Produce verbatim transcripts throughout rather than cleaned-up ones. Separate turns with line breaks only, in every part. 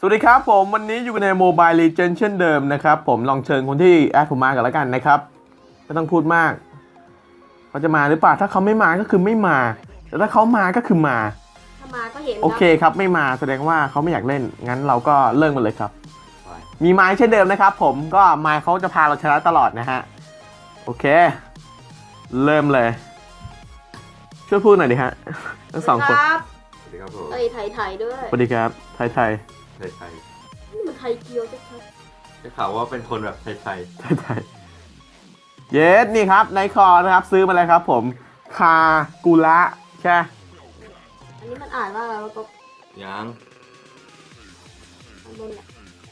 สวัสดีครับผมวันนี้อยู่ใน Mobile Legends เช่นเดิมนะครับผมลองเชิญคนที่แอดผมมากันแล้วกันนะครับไม่ต้องพูดมากเขาจะมาหรือเปล่าถ้าเขาไม่มาก็คือไม่มาแต่ถ้าเขามาก็คือมา
ถ้ามาก็เห็น
โอเคครับไม่มาแสดงว่าเขาไม่อยากเล่นงั้นเราก็เลิกมันเลยครับมีไม้เช่นเดิมนะครับผมก็ไม้เขาจะพาเราชนะตลอดนะฮะโอเคเริ่มเลยช่วยพูดหน่อยดิฮะทั้งสองคน
สวัส
สวัสดีครับผม
เอ้ยไทยไทยด้วย
สวัสดีครับไทยไทย
ไทยไทย
นี่มันไทยเกียวชัด
ได้ข่าวว่าเป็นคนแบบไทยไทย
ไทยไทยเยสนี่ครับในคอนะครับซื้อมาเลยครับผมคากุระใช่
ๆอันนี้มันอ่านว่าอะไรวะก็
ยัง
อันบนแหละ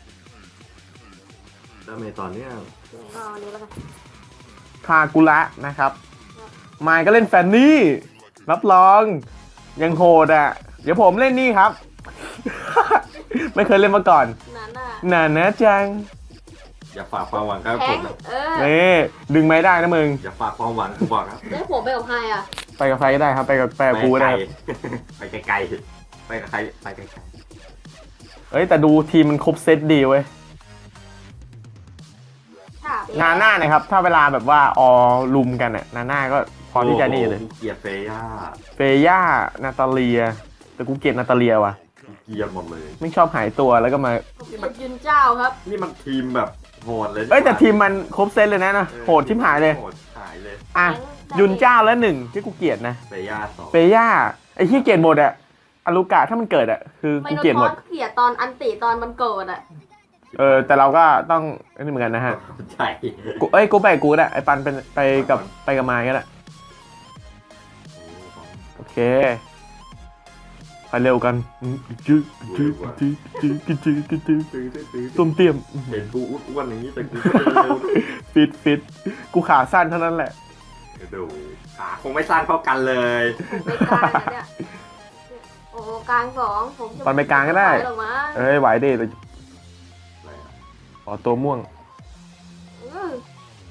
แล้วเมตอนเนี้ย
ก็อันนี้แล้วกัน
คากุระนะครับไมค์ก็เล่นแฟนนี่รับรองยังโหดอ่ะเดี๋ยวผมเล่นนี่ครับ ไม่เคยเล่นมาก่อน
นั่นน่ะ
น่านะจัง
อย่าฝากความหวังกับ
แท
ผ
ง
มนะ
เออ
นี่ดึงไม่ได้นะมึง
อย่าฝากความหวังกูบอกครับ
ได้ผมไปกับใครอ่ะ
ไปกับใครก็ได้ครับไปกับแปรกูก็ได้ครับ
ไปไกลๆไปกับใครไปไกล
เอ้ยแต่ดูทีมมันครบเซตดีเว้ย
ฉาบ
นาน่านะครับถ้าเวลาแบบว่าออลุมกันอ่ะนาน่าก็พ
ๆ
อที่จะนี่เลย
โอ้โหเกลียดเฟย่า
เฟย่านาตาเลียแต่กูเกลียดนาตาเลียว่ะ
เกลียดหมดเลย
ไม่ชอบหายตัวแล้วก็มา
ผมเป็นยืนเจ้าครับ
นี่มันทีมแบบโหดเลย
เอ้ยแต่ทีมมันครบเซตเลยนะนะโหดชิบหายเลย
โหดหายเลย
อ่ะยุนเจ้าแล้วหนึ่งที่กูเกลียดนะ
เฟย่าสอง
เฟย่าไอ้ที่เกลียดหมดอะอารุกะถ้ามันเกิดอะคือ
ไม่
กู
โดน
เกลียด
ท
หม
อ
ด
ดเกลียดตอนอันติตอนมันเกิดอ่ะ
เออแต่เราก็ต้องอันนี้เหมือนกันนะฮะ
ใช่
กูเอ้ยกูไปกับกูแหละไอ้ปันเป็นไปกับไปกับมายก็ได้โอเคไปเร็วกันจืดจืดจืดจืดจืดจืดจืด
ตื้อตื้อตื้อ
ต้มเตี้ยม
เห็นกูอ้วนๆอย่างนี้แต่กูก็เร็ว
ฟิตฟิตกูขาสั้นเท่านั้นแหละ
ๆดูขาคงไม่สั้นเท่ากันเลย
ผมไปกลางนะเนี่ยเนี่ยโอ้กลางสองผมจะ
ปันไปกลางก็ได้
หรอกมั้ง
เอ้ยไหวดิแต่
อะไรอะ
ขอตัวม่วง
อือ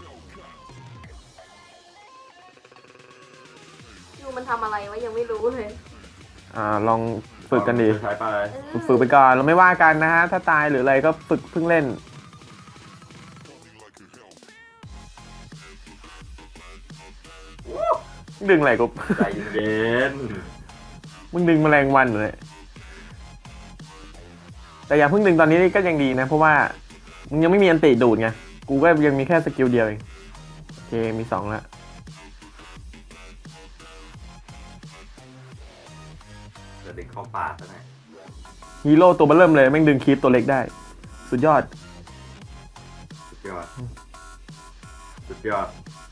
ยูมันทำอะไรวะยังไม่รู้เลย
อ่าลองฝึกกันดี
ใช้ไป
เออ
ฝึกไปก่อนเราไม่ว่ากันนะฮะถ้าตายหรืออะไรก็ฝึกเพิ่งเล่นดึงอะไรกู
ใจเย็น
มึงดึงแมลงวันอยู่เลยแต่อย่าเพิ่งดึงตอนนี้ก็ยังดีนะเพราะว่ามึงยังไม่มีอันติดูดไงกูก็ยังมีแค่สกิลเดียวเองโอเคมีสองแล้ว
จะดึงเข้าป่าซะหน่อย
ฮีโร่ตัวเบอร์เริ่มเลยแม่งดึงคีปตัวเล็กได้ สุดยอด
สุดยอดสุดยอด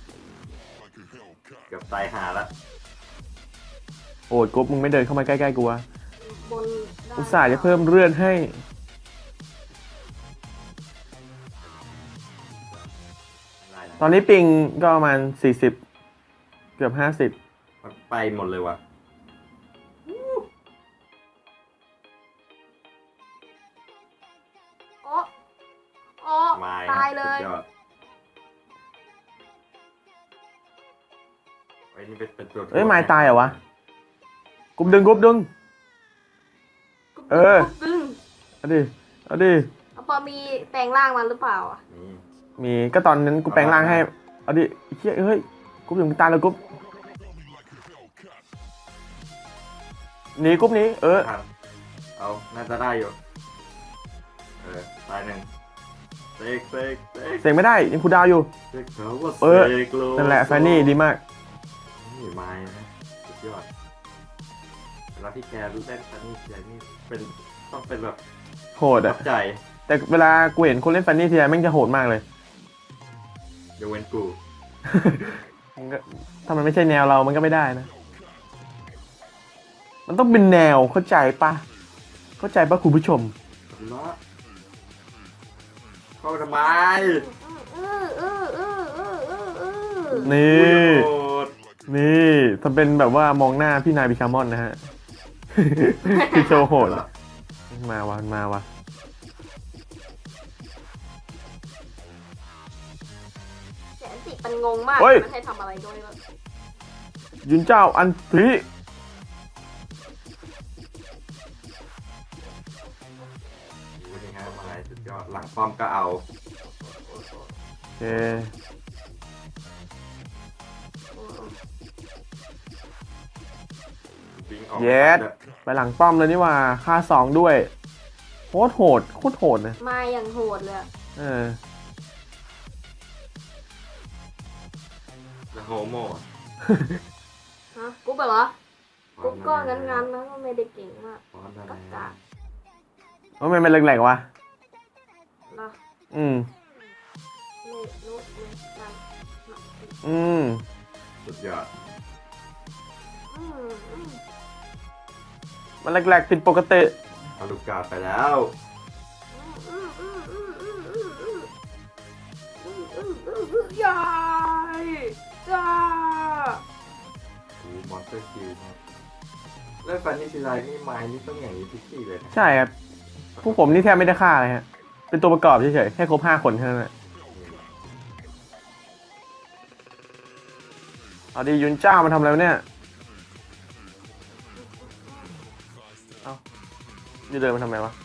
เกือบตายหาละ
โอ้ยกบมึงไม่เดินเข้ามาใกล้ๆกูวะ
บนได้
อุตส่าห์จะเพิ่มเลื่อนให้
ได้นะ
ตอนนี้ปิงก็ประมาณสี่สิบเกือบห้าสิบ
มันไปหมดเลยว่ะ
โอ้โอ้
ไม้
ตายเลย
สุดยอดไอ้นี่เป็นเป็นตัว
เอ้ยไม้ตายเหรอวะกบดึงกบดึง เออ
ดึง
เอาดิเอาดิ
เอาพอมีแปลงร่างมาหรือเปล่าอ่ะ
นี่
มีก็ตอนนั้นกูแปลงร่างให้เอาดิไอ้เหี้ยเฮ้ยกบถึงตายแล้วกบหนีกบหนี้เออ
ทันเอาน่าจะได้อยู่เออตายหนึ่งเซกเซกเซก
เสียงไม่ได้ยังคูลดาวน์อยู่
เซกเขาว่า
เออ
เซกโล
นั่นแหละแฟนนี่ดีมาก
นี่ไม้นะสุดยอดเวลาที่แกเล่นแฟนนี่แกนี่เป็นต้องเป็นแบบ
โหด
ตั
อะ
บใจ
แต่เวลากูเห็นคนเล่นแฟนนี่ทีไรแม่งจะโหดมากเลย
ยกเว้นกู
มันก็ถ้ามันไม่ใช่แนวเรามันก็ไม่ได้นะ มันต้องเป็นแนวเข้าใจปะเข้าใจปะคุณผู้ชม
ล้อเข้ามาทำไม
เออเออเออเออเออเออ
นี่
โอ้ย
นี่ทำเป็นแบบว่ามองหน้าพี่นายบิคามอนนะฮะ พี่โชว์โหดอะมาวะมาวะ
แสนสิมันงงมาก
เฮ้ย
มันให้ทำอะไรด้วยวะ
ยุนเจ้าอันทรี
สุดยอดหลังป้อมก็เอา
โอเค
วิ่งออก
เย็ดไปหลังป้อมเลยนี่หว่าค่าสองด้วยโคตรโหดโคตรโหดนะ
มาอย่างโหดเลยอะ
เออ
แล้วโฮโม
ฮะกุ๊บเหรอกุ๊บก็งั้นๆนะก็ไม่ได้เก่งมาก
ฟอนต์อะไร
กักกะ
ทำไมมันแหลกๆวะ
เนาะ
อืม
ไม่รู้ไม่นั่น
อืม
สุดยอด
อืมอืม
มันแหลกๆผิดปกติ
เอาลูกกาไปแล้ว
อืมอืมอืมอืมอืมอืมอืมอืมอืมอืมยายยา
โอ้มอนสเตอร์คิวครับแล้วฟันนี่ทีไรนี่ไม้นี่ต้องอย่างนี้ทุกทีเลยนะ
ใช่ครับพวกผมนี่แทบไม่ได้ฆ่าเลยฮะ เป็นตัวประกอบเฉยๆแค่ครบห้าคนแค่นั้นแหละเอาดียุนเจ้ามันทำอะไรวะเนี่ยเอายูเดินมันทำไมวะ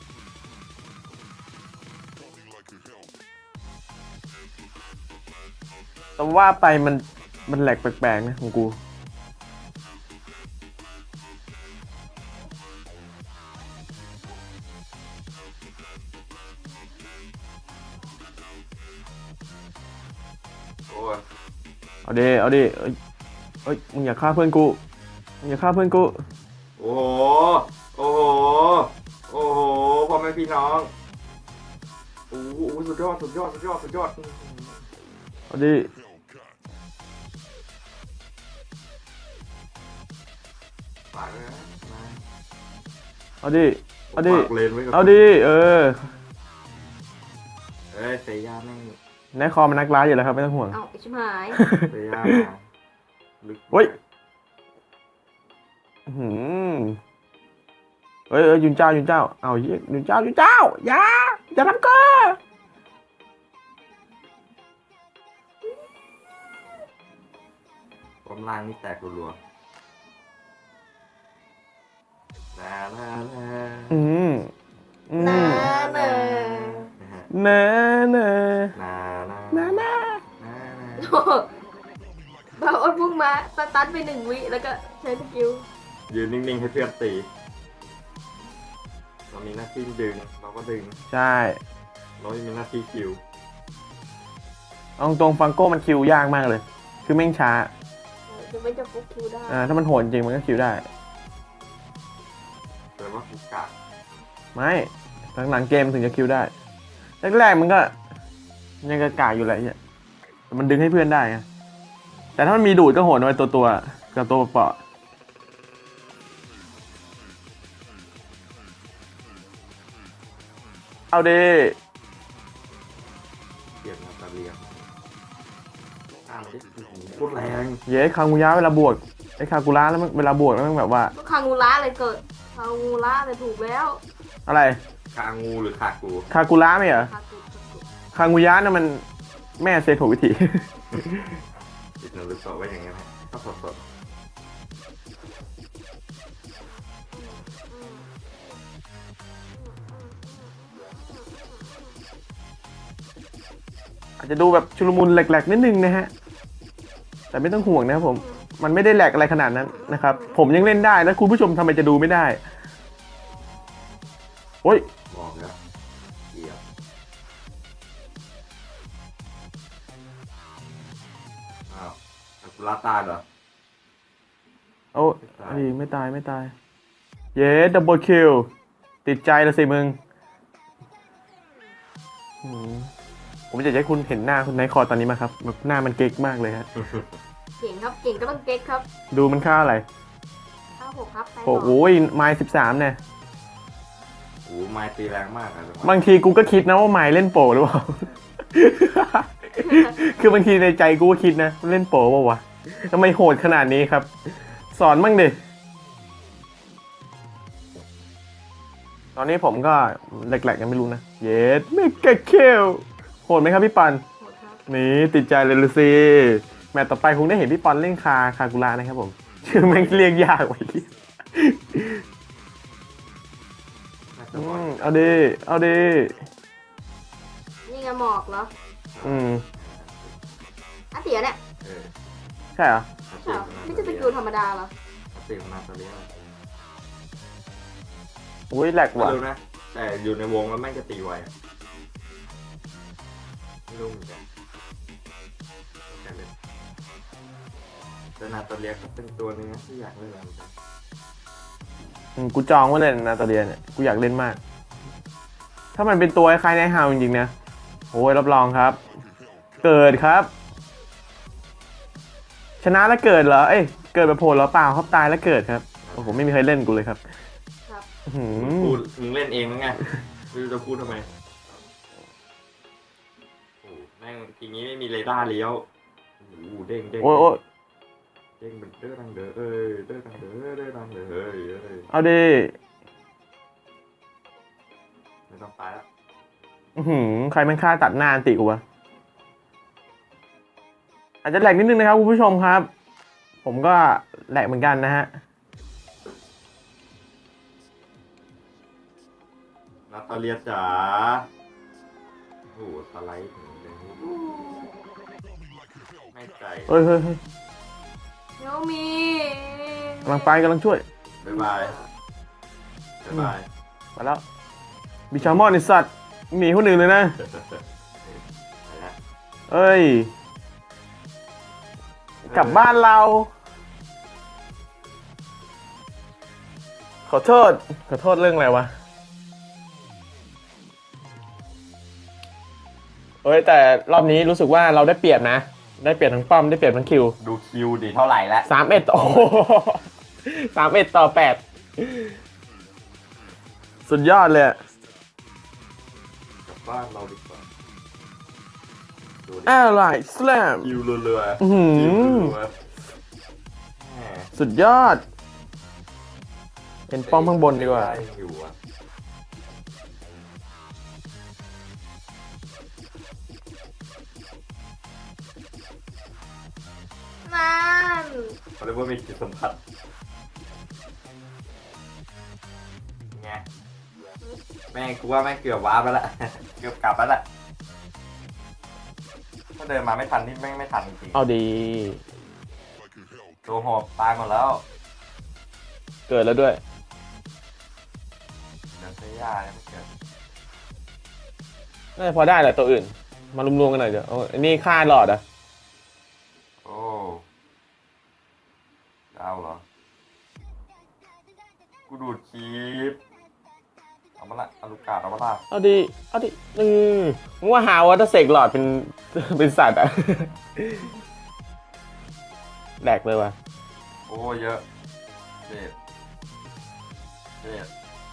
แต่ว่าไปมันมันแหลกแปลกๆนะของกู
โอ้ย
เอาดิเอาดิเอ้ยเอ้ยมึงอย่าฆ่าเพื่อนกูมึงอย่าฆ่าเพื่อนกู
โอ้โหโอ้โหโอ้โหพ่อแม่พี่น้องโอ้โหสุดยอดสุดยอดสุดยอดสุดยอด
เอาดิ
ฝากเลยนะมา
เอาดิเอาดิ
ฝากเลนไว้กับ
เอาดิเออ
เอ้ยเซย่าแม่ง
นายคอมันนักร้ายอยู่แล้วครับไม่ต้องห่วง
เอ้าไอ้ชิบหาย
เซย่ามาลึก
เฮ้ย อื้อหืมเอ้ยเอ้ยยุนเจ้ายุนเจ้าเอาเหี้ยยุนเจ้ายุนเจ้าอย่าอย่าทำก็
ป้อมล่างนี่แตกรัวๆนานานา
อืมอืม
นาเนอ
นะฮะ
เน่เน่
นานา
เน่เน่
นานา
โอ้โหบาโอ้พุ่งมาสตันไปหนึ่งวิแล้วก็ใช้สกิล
ยืนนิ่งๆให้เพื่อนตีเรามีหน้าที่ดึงเราก็ดึง
ใช่
เรามีหน้าที่คิว
เอาตรงฟังโก้มันคิวยากมากเลย คือแม่งช้า
จะไม่จะฟุกคิวได้
อ่าถ้ามันโหดจริงมันก็คิวได้
แต่ว่าฟุกกะ
ไม่หลังๆเกมมันถึงจะคิวได้แรกๆมันก็ยังกระกากอยู่แหละเนี่ยแต่มันดึงให้เพื่อนได้ไงแต่ถ้ามันมีดูดก็โหดไว้ตัวตัวๆกับตัวเปราะเอาดิ
เปลี่ยนมาตะเลียงข้ามดิโคตรแรง
เย้คางูยะเวลาบวกไอ้คากุระแล้วมันเวลาบวกแล้วมันแบบว่า
ก็คางูระเลยเกิดคางูระเลยถูกแล้ว
อะไร
คางูหรือคากู
คากุระไม่เหรอ
คาตุคาตุ
คางูยะน่ะมันแม่เซโถวิธี
ติดหนูรู้ตัวไว้อย่างเงี้ยไหมก็สดสด
อาจจะดูแบบชุลมุนแหลกๆนิดนึงนะฮะแต่ไม่ต้องห่วงนะครับผมมันไม่ได้แหลกอะไรขนาดนั้นนะครับผมยังเล่นได้แล้วคุณผู้ชมทำไมจะดูไม่ได้โอ้ย
บอกแล้วเกี่ยวอ้าวซากุระตายเหรอ
โอ้ไอ้ไม่ตายไม่ตายเย้ดับเบิลคิวติดใจละสิมึงอืมผมจะให้คุณเห็นหน้าคุณไนท์คอร์ตอนนี้มาครับแบบหน้ามันเก๊กมากเลยฮะ
เก่งครับเก่งก็ต้องเก๊กครับ
ดูมันค่าอะไร
ข้าหกครับไป
โอ้โหไม้สิบสามเนี่ย
โอ้โหไม้ตีแรงมากอะ
บางทีกูก็คิดนะว่าไม้เล่นโปรหรือเปล่า คือบางทีในใจกูก็คิดนะเล่นโปรเปล่าวะทำไมโหดขนาดนี้ครับ สอนมั่งดิตอนนี้ผมก็แหลกๆยังไม่รู้นะเย็ดเมกะเคลโหดไหมครับพี่ปัน
โหดครับ
นี่ติดใจเลยลูซีแมตต์ต่อไปคงได้เห็นพี่ปอนเล่นคาคากุระนะครับผมชื่อแม่งเรียกยากไว้ที่
น่าจะ
อืมเอาดีเอาดี
นี่ไงหมอกเหรอ
อืม
อ่ะเสียเนี่ย
เออ
ใช่เหรอ
ใช่เหรอไม่ใช่สกิลธรรมดาเหรอ
ติของนาตาเลีย
อุ้ยแหลก
ไม่
ว่ะ
รู้นะ แต่อยู่ในวงแล้วแม่งจะตีไวอะไม่รู้เหมือนกันแต่เลยแต่นาตาเลียก็เป็นตัวหนึงนะที่อยากเล่นเหมือนกัน
อืมกูจองไว้เลยนาตาเลียเนี่ยกูอยากเล่นมาก ถ้ามันเป็นตัวคล้ายๆในฮาวจริงๆนะโอ้ยรับรองครับ เกิดครับ ชนะแล้วเกิดเหรอเอ้ยเกิดแบบโผล่แล้วเปล่าครับตายแล้วเกิดครับโอ้โหไม่มีใครเล่นกูเลยครับ
ครับ
อื้อหื
มึง
อ
พูดมึงเล่นเองมั้งไงไม่รู้จะพูดทำไมโอ้แม่งทีนี้ไม่มีเรดาร์เลี้ยวโอ้โหเด้งเด้ง
โอ้ยโอ้ย
เด้งเป็นเด้อดังเด้อเอ้ยเด้อดังเด้อเด้อดังเด้อเอ้ยเอ้ย
เอาดิ
ไม่ต้องตายแล้ว
อื้อหือใครมันฆ่าตัดหน้าอันติกูวะอาจจะแหลกนิดนึงนะครับคุณผู้ชมครับ ผมก็แหลกเหมือนกันนะฮะ
นาตาเลียจ๋าโอ้โหสไลด์ถึงเลยไม่ใจ
เฮ้ยเฮ้ยเฮ้ย
เดี๋ยวมี
กำลังไปกำลังช่วย
บ๊ายบายบ๊ายบาย
มาแล้วบิชามอนไอสัตว์หนีคนอื่นเลยนะ
ไปแล้ว
เอ้ย กลับบ้านเรา ขอโทษ ขอโทษเรื่องอะไรวะ เอ้ยแต่รอบนี้รู้สึกว่าเราได้เปรียบนะ ได้เปรียบทั้งป้อมได้เปรียบทั้งคิว
ดูคิวดีเท่าไหร่แล้ว
สามเอ็ดโอ้โหสามเอ็ดต่อแปดสุดยอดเลยอะ
กลับบ้านเราดีกว่าดูดิ
แอร์ไลน์สแลม
คิวเรือๆ
อื้อหือ
คิวเรือๆแหม
สุดยอด เป็นป้อมข้างบนดีกว่า
ได้อยู่อะ
นั่น
เขาเรียกว่ามีจิตสัมผัสไงแม่งกูว่าแม่งเกือบว้าร์ปแล้วล่ะ เกือบกลับแล้วล่ะถ้าเดินมาไม่ทันนี่แม่งไม่ทันจริง
เอาดี
ๆตัวหอบตายหมดแล้ว
เกิดแล้วด้วย
เดินเสียยาเนี่ยไม่เกิด
น่าจะพอได้แหละตัวอื่น มารวมๆกันหน่อยเดี๋ยวเอาอันนี้ค่าหลอดอ่ะ
โอ้จะเอาเหรอ กูดูดคลิปเอามาละเอาลูกกาดเอามาละ
เอาดีเอาดีอือมึงว่าหาว่าถ้าเสกหลอดเป็น เป็นสัตว์อ่ะ แหลกเลยว่ะ
โอ้เยอะเจ็ดเจ็ด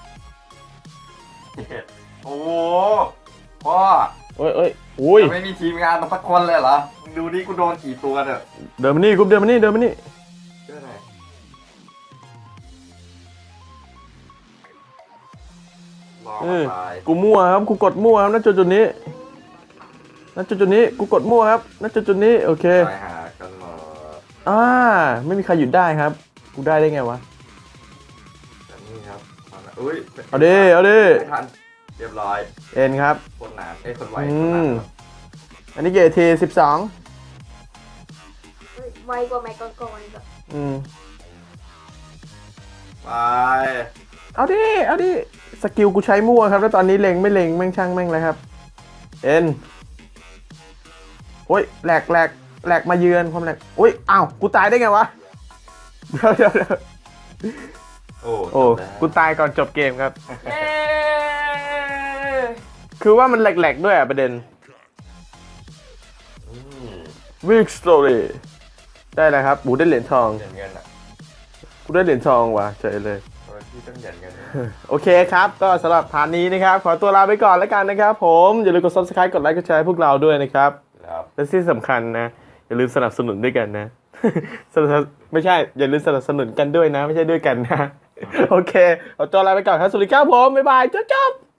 เจ็ดโอ้โหพ่อ
เอ้ยเอ้ยอุ้ย
จะไม่มีทีมงานมาสักคนเลยเหรอมึงดูดิกูโดนกี่ตัวเนี่ย
เดินมานี่กุ๊บเดินมานี่เดินมานี่
เชื่อไหนรอ
เอ
มา
อ
ตาย
กูมั่วครับกูกดมั่วครับณจุดจุดนี้ณจุดจุดนี้กูกดมั่วครับณจุดจุดนี้โอเค
ตายหากันหมด
อ่าไม่มีใครหยุดได้ครับ กูได้ได้ไงวะ
แต่นี่ครับเอาละอุ้ย
เอาดิเอาดิ
ไม่ทันเรียบร้อย
เอ็นครับ
คนหนานเอ้ยคนไว
อื
คนหนาน
ม อันนี้เกทีสิบสอง
เฮ้ยไวกว่าแม็กก่อนๆอีกอะ
อืม
ไป
เอาดิเอาดิสกิลกูใช้มั่วครับแล้วตอนนี้เล็งไม่เล็งแม่งช่างแม่งเลยครับเอ็นโอ้ยแหลกแหลกแหลกมาเยือนความแหลกโอ้ยอ้าวกูตายได้ไงวะเดี๋ยวเดี๋ยวเดี๋ยว
โอ้
โอ้
จบแล้ว
กูตายก่อนจบเกมครับ
เย้
คือว่ามันแหลกๆด้วยอ่ะประเด็น
อืม
Weak Story ได้แล้วครับบูได้เหรียญทอง
เหรียญเงินอ่ะ
กูได้เหรียญทองว่ะเฉยเลย
โอ้ยพี่ต้องเหรียญเงิน
โอเคครับ ก็สำหรับพาร์ทนี้นะครับ ขอตัวลาไปก่อนแล้วกันนะครับผม อย่าลืมกด Subscribe กดไลค์กดแชร์ให้พวกเราด้วยนะครับ
ครับ
และที่สำคัญนะ อย่าลืมสนับสนุนด้วยกันนะ สนับไม่ใช่ อย่าลืมสนับสนุนกันด้วยนะ ไม่ใช่ด้วยกันนะ โอเคขอตัวลาไปก่อนครับสวัสดีครับผม บ๊ายบายจบจบ